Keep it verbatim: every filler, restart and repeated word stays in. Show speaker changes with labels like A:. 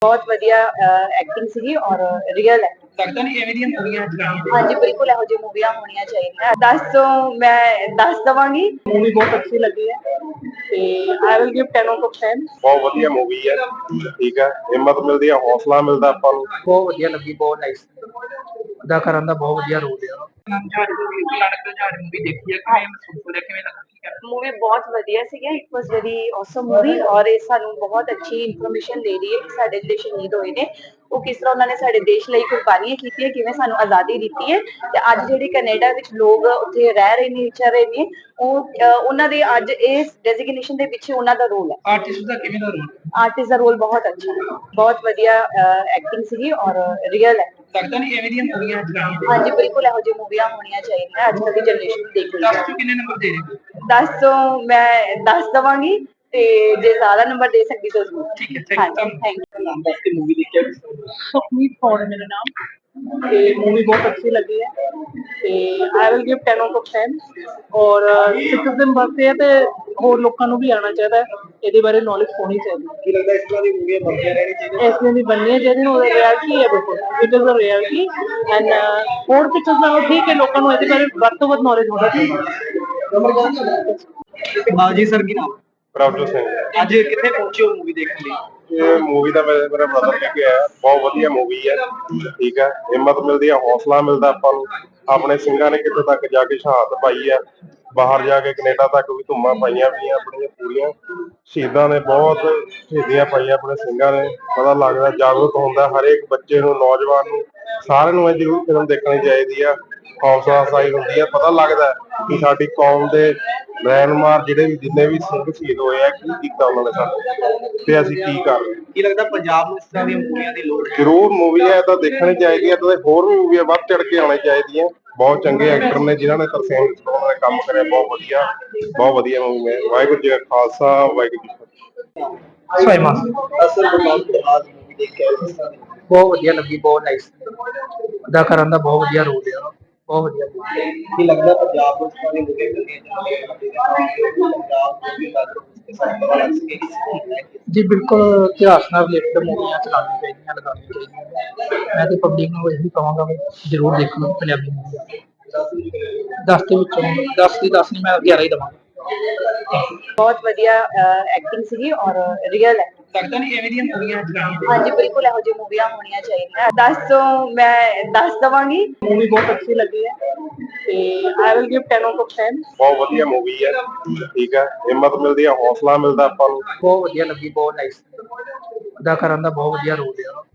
A: ਬਹੁਤ ਵਧੀਆ ਐਕਟਿੰਗ ਸੀਗੀ ਔਰ ਰੀਅਲ ਹੈ।
B: ਲੱਗਦਾ ਨਹੀਂ ਐਵੇਂ ਦੀਆਂ ਮੂਵੀਆਂ ਚਲਾਉਣੀਆਂ
A: ਹਾਂਜੀ ਬਿਲਕੁਲ ਇਹੋ ਜਿਹੀ ਮੂਵੀਆਂ ਹੋਣੀਆਂ ਚਾਹੀਦੀਆਂ। ਦਸ ਤੋਂ ਮੈਂ ਦਸ ਦਵਾਂਗੀ।
B: ਮੂਵੀ ਬਹੁਤ ਅੱਛੀ ਲੱਗੀ ਹੈ ਤੇ I will give ten out of ten.
C: ਬਹੁਤ ਵਧੀਆ ਮੂਵੀ ਹੈ, ਠੀਕ ਹੈ, ਹਿੰਮਤ ਮਿਲਦੀ ਹੈ, ਹੌਸਲਾ ਮਿਲਦਾ ਆਪਾਂ ਨੂੰ।
B: ਬਹੁਤ ਵਧੀਆ ਲੱਗੀ, ਬਹੁਤ ਨਾਈਸ ਅਦਾਕਾਰਾਂ ਦਾ ਬਹੁਤ ਵਧੀਆ ਰੋਲ ਹੈ। ਮੂਵੀ ਦੇਖੀ ਹੈ, ਕਿਵੇਂ ਮਹਿਸੂਸ ਹੋ ਰਿਹਾ, ਕਿਵੇਂ ਲੱਗਾ?
A: मूवी बहुत वधिया सीगा। It was very awesome movie और ਇਹ ਸਾਨੂੰ ਬਹੁਤ ਅੱਛੀ ਇਨਫੋਰਮੇਸ਼ਨ ਦੇ ਰਹੀ ਹੈ ਕਿ ਸਾਡੇ ਜਿਹੜੇ ਸ਼ਹੀਦ ਹੋਏ ਨੇ ਉਹ ਕਿਸ ਤਰ੍ਹਾਂ ਉਹਨਾਂ ਨੇ ਸਾਡੇ ਦੇਸ਼ ਲਈ ਕੁਰਬਾਨੀਆਂ ਕੀਤੀਆਂ, ਕਿਵੇਂ ਸਾਨੂੰ ਆਜ਼ਾਦੀ ਦਿੱਤੀ ਹੈ ਤੇ ਅੱਜ ਜਿਹੜੇ ਕੈਨੇਡਾ ਵਿੱਚ ਲੋਕ ਉੱਥੇ ਰਹਿ ਰਹੇ ਨੇ, ਵਿਚਰ ਰਹੇ ਨੇ, ਉਹ ਉਹਨਾਂ ਦੇ ਅੱਜ ਇਸ ਡੈਜ਼ਿਗਨੇਸ਼ਨ ਦੇ ਪਿੱਛੇ ਉਹਨਾਂ ਦਾ ਰੋਲ ਹੈ।
B: ਆਰਟਿਸਟ ਦਾ ਕਿਵੇਂ ਦਾ ਰੋਲ?
A: ਆਰਟਿਸਟ ਦਾ ਰੋਲ ਬਹੁਤ ਅੱਛਾ ਹੈ, ਬਹੁਤ ਵਧੀਆ ਐਕਟਿੰਗ ਸੀਗੀ ਔਰ ਰੀਅਲ ਹੈ।
B: ਲੱਗਦਾ ਨਹੀਂ ਐਵੇਂ ਦੀਆਂ ਮੂਵੀਆਂ ਚਲਾਉਣੀਆਂ?
A: ਹਾਂਜੀ ਬਿਲਕੁਲ ਇਹੋ ਜਿਹੀ ਮੂਵੀਆਂ ਹੋਣੀਆਂ ਚਾਹੀਦੀਆਂ। ਅੱਜ ਕੱਲ੍ਹ ਦੀ ਜਨਰੇਸ਼ਨ ਦੇਖ ਰਹੀ ਹੈ।
B: ਦਸ ਤੋਂ ਕਿੰਨੇ ਨੰਬਰ ਦੇ ਰਹੇ?
A: ਦਸ ਤੋਂ ਮੈਂ ਦਸ ਦਵਾਂਗੀ ਤੇ ਜੇ ਜ਼ਿਆਦਾ ਨੰਬਰ ਦੇ ਸਕਦੀ ਤਾਂ ਜ਼ਰੂਰ।
B: ਠੀਕ ਹੈ, ਥੈਂਕ ਯੂ।
A: Thank you.
B: ਨਾਮ ਦੱਸ ਕੇ ਮੂਵੀ ਦੇਖਿਆ? ਸੁਖਮੀਤ ਕੌਰ ਹੈ ਮੇਰਾ ਨਾਮ ਤੇ ਮੂਵੀ ਬਹੁਤ ਅੱਛੀ ਲੱਗੀ ਹੈ ਤੇ I will give ten out of ten. ਔਰ ਸਿਟੀਜ਼ਨ ਵਾਸਤੇ ਹੈ ਤੇ ਹੋਰ ਲੋਕਾਂ ਨੂੰ ਵੀ ਆਉਣਾ ਚਾਹੀਦਾ, ਇਹਦੇ ਬਾਰੇ ਨੌਲੇਜ ਹੋਣੀ ਚਾਹੀਦੀ।
C: ਕੀ ਲੱਗਦਾ ਇਸ ਤਰ੍ਹਾਂ ਦੀ ਮੂਵੀਆਂ ਬਣਦੀਆਂ ਰਹਿਣੀ ਚਾਹੀਦੀਆਂ?
B: ਇਸ ਤਰ੍ਹਾਂ ਦੀ ਬਣਨੀਆਂ ਚਾਹੀਦੀਆਂ। ਉਹ ਰਿਐਲਿਟੀ ਹੈ, ਬਿਲਕੁਲ it is a reality and ਹੋਰ ਪਿਕਚਰਸ ਨਾਲੋਂ ਠੀਕ ਹੈ। ਲੋਕਾਂ ਨੂੰ ਇਹਦੇ ਬਾਰੇ ਵੱਧ ਤੋਂ ਵੱਧ ਨੌਲੇਜ ਹੋਣਾ ਚਾਹੀਦਾ।
D: ਹਾਂ ਜੀ ਸਰ, ਕੀ ਨਾਮ?
C: ਪ੍ਰਭਜੋਤ ਸਿੰਘ।
D: ਅੱਜ ਕਿੱਥੇ ਪਹੁੰਚੇ ਹੋ ਮੂਵੀ ਦੇਖਣ ਲਈ?
C: ਇਹ ਮੂਵੀ ਦਾ ਮੇਰੇ ਮੇਰਾ ਬ੍ਰਦਰ ਲੈ ਕੇ ਆਇਆ। ਬਹੁਤ ਵਧੀਆ ਮੂਵੀ ਹੈ, ਠੀਕ ਹੈ, ਹਿੰਮਤ ਮਿਲਦੀ ਹੈ, ਹੌਸਲਾ ਮਿਲਦਾ ਆਪਾਂ ਨੂੰ। ਆਪਣੇ ਸਿੰਘਾਂ ਨੇ ਕਿੱਥੇ ਤੱਕ ਜਾ ਕੇ ਸ਼ਹਾਦਤ ਪਾਈ ਹੈ, ਬਾਹਰ ਜਾ ਕੇ ਕੈਨੇਡਾ ਤੱਕ ਵੀ ਧੁੰਮਾਂ ਪਾਈਆਂ ਪਈਆਂ ਆਪਣੀਆਂ ਪੂਰੀਆਂ। ਸ਼ਹੀਦਾਂ ਨੇ ਬਹੁਤ ਸ਼ਹੀਦੀਆਂ ਪਾਈਆਂ ਆਪਣੇ ਸਿੰਘਾਂ ਨੇ। ਪਤਾ ਲੱਗਦਾ, ਜਾਗਰੂਕ ਹੁੰਦਾ ਹਰੇਕ ਬੱਚੇ ਨੂੰ, ਨੌਜਵਾਨ ਨੂੰ, ਸਾਰਿਆਂ ਨੂੰ ਇਹ ਜ਼ਰੂਰ ਫਿਲਮ ਦੇਖਣੀ ਚਾਹੀਦੀ ਆ। ਹੌਸਲਾ ਅਫਜ਼ਾਈ ਹੁੰਦੀ ਹੈ, ਪਤਾ ਲੱਗਦਾ ਕਿ ਸਾਡੀ ਕੌਮ ਦੇ ਰਹਿਨੁਮਾ ਜਿਹੜੇ ਵੀ ਜਿੰਨੇ ਵੀ ਸਿੰਘ ਸ਼ਹੀਦ ਹੋਏ ਆ, ਕੀ ਕੀਤਾ ਉਹਨਾਂ ਨੇ ਸਾਡੇ ਤੇ ਅਸੀਂ ਕੀ ਕਰ ਰਹੇ।
D: ਕੀ ਲੱਗਦਾ ਪੰਜਾਬ ਨੂੰ ਇਸ ਤਰ੍ਹਾਂ ਦੀਆਂ ਮੂਵੀਆਂ ਦੀ ਲੋੜ ਹੈ?
C: ਜ਼ਰੂਰ ਮੂਵੀ ਹੈ ਤਾਂ ਦੇਖਣੀ ਚਾਹੀਦੀ ਹੈ ਤੇ ਹੋਰ ਵੀ ਮੂਵੀਆਂ ਵੱਧ ਚੜ ਕੇ ਆਉਣੀ ਚਾਹੀਦੀਆਂ। ਬਹੁਤ ਚੰਗੇ ਐਕਟਰ ਨੇ ਜਿਨ੍ਹਾਂ ਨੇ ਤਰਸੇਮ ਨੇ ਕੰਮ ਕਰਿਆ, ਬਹੁਤ ਵਧੀਆ ਬਹੁਤ ਵਧੀਆ ਮੂਵੀ ਹੈ। ਵਾਹਿਗੁਰੂ ਜੀ ਕਾ ਖਾਲਸਾ, ਵਾਹਿਗੁਰੂ ਜੀ ਕੀ ਫਤਿਹ।
B: ਸਵਾਈਮਾਨ
D: ਅਸਲ ਬਤੌਰ ਆਜ ਮੂਵੀ ਦੇਖਿਆ ਕਿਸ ਤਰ੍ਹਾਂ ਦੀ?
B: ਬਹੁਤ ਵਧੀਆ ਲੱਗੀ, ਬਹੁਤ ਨਾਈਸ ਅਦਾਕਾਰਾਂ ਦਾ ਬਹੁਤ ਵਧੀਆ ਰੋਲ ਹੈ, ਬਹੁਤ ਵਧੀਆ।
D: ਕੀ ਲੱਗਦਾ ਪੰਜਾਬ ਵਿੱਚ ਸਾਰੀ ਮੂਵੀਆਂ ਬਣਦੀਆਂ
B: ਜੀ ਬਿਲਕੁਲ ਇਤਿਹਾਸ ਨਾਲ ਰਿਲੇਟਡ ਮੂਵੀਆਂ ਚਲਾਉਣੀਆਂ ਚਾਹੀਦੀਆਂ, ਲਗਾਉਣੀਆਂ ਚਾਹੀਦੀਆਂ। ਮੈਂ ਤੇ ਪਬਲਿਕ ਨੂੰ ਇਹੀ ਕਹਾਂਗਾ ਵੀ ਜ਼ਰੂਰ ਦੇਖੋ ਪੰਜਾਬੀ ਮੂਵੀਆਂ। ਦਸ ਦੇ ਵਿੱਚੋਂ ਦਸ ਦੀ ਦਸ ਨਹੀਂ, ਮੈਂ ਗਿਆਰਾਂ ਹੀ ਦੇਵਾਂਗਾ।
A: ਬਹੁਤ ਵਧੀਆ ਐਕਟਿੰਗ ਸੀਗੀ ਔਰ ਰੀਅਲ ਹੈ।
B: ਲੱਗਦਾ ਨਹੀਂ ਐਵੇਂ ਦੀਆਂ ਮੂਵੀਆਂ ਚਲਾਉਣੀਆਂ?
A: ਹਾਂਜੀ ਬਿਲਕੁਲ ਇਹੋ ਜਿਹੀ ਮੂਵੀਆਂ ਹੋਣੀਆਂ ਚਾਹੀਦੀਆਂ। ਦਸ ਤੋਂ ਮੈਂ ਦਸ ਦਵਾਂਗੀ।
B: ਮੂਵੀ ਬਹੁਤ ਅੱਛੀ ਲੱਗੀ ਹੈ ਤੇ I will give ten out of ten.
C: ਬਹੁਤ ਵਧੀਆ ਮੂਵੀ ਹੈ, ਠੀਕ ਹੈ, ਹਿੰਮਤ ਮਿਲਦੀ ਹੈ, ਹੌਸਲਾ ਮਿਲਦਾ ਆਪਾਂ ਨੂੰ।
B: ਬਹੁਤ ਵਧੀਆ ਲੱਗੀ, ਬਹੁਤ ਨਾਈਸ ਅਦਾਕਾਰਾਂ ਦਾ ਬਹੁਤ ਵਧੀਆ ਰੋਲ ਹੈ।